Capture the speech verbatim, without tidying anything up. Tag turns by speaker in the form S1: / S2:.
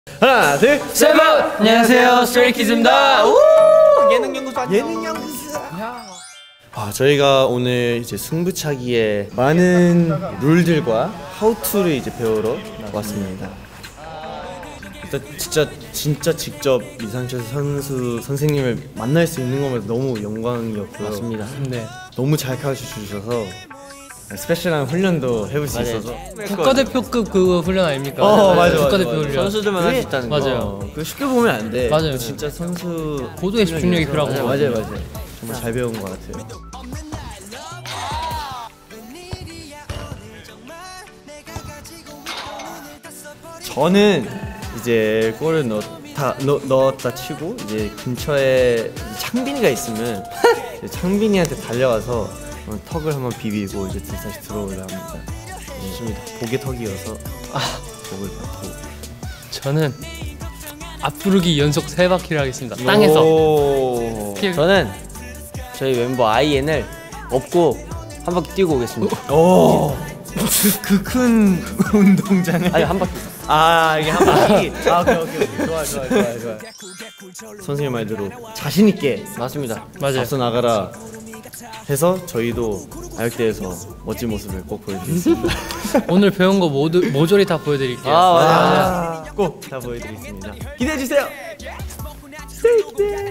S1: 하나 둘 셋.
S2: 안녕하세요, 스트레이키즈입니다.
S1: 예능연구소 예능연구소. 아, 저희가 오늘 이제 승부차기에 많은 룰들과 하우투를 이제 배우러 왔습니다. 일단 진짜 진짜 직접 이상철 선수 선생님을 만날 수 있는 것만 너무 영광이었고요.
S2: 맞습니다.
S1: 네. 너무 잘 가르쳐 주셔서 스페셜한 훈련도 해볼 수
S2: 맞아요.
S1: 있어서.
S2: 국가대표급 그 훈련 아닙니까?
S1: 어, 맞아, 맞아,
S2: 국가대표
S1: 맞아.
S2: 훈련.
S3: 선수들만 할 수 있다는 거.
S2: 맞아요.
S1: 그 쉽게 보면 안 돼.
S2: 맞아요.
S1: 진짜 선수
S2: 고도의 집중력이 필요하고.
S1: 맞아요, 맞아요, 맞아요. 정말 잘 배운 것 같아요. 저는 이제 골을 넣다 넣, 넣었다 치고 이제 근처에 창빈이가 있으면 이제 창빈이한테 달려가서 어, 턱을 한번 비비고 이제 다시 들어오려 합니다. 좋습니다. 복의 턱이어서 아, 복을 받고.
S2: 저는 앞부르기 연속 세 바퀴를 하겠습니다. 땅에서.
S1: 오.
S3: 저는 저희 멤버 아이엔을 업고 한 바퀴 뛰고 오겠습니다.
S1: 오. 그 큰 운동장에.
S3: 아니 한 바퀴.
S1: 아, 이게 한 바퀴. 아, 오케이 오케이 오케이. 좋아 좋아 좋아 좋아. 선생님 말대로 자신 있게
S3: 맞습니다.
S2: 맞아요.
S1: 앞서 나가라 해서 저희도 아역대에서 멋진 모습을 꼭 보여드리겠습니다.
S2: 오늘 배운 거 모두 모조리 다 보여드릴게요.
S3: 아, 맞아,
S1: 아, 꼭 다 보여드리겠습니다. 기대해 주세요.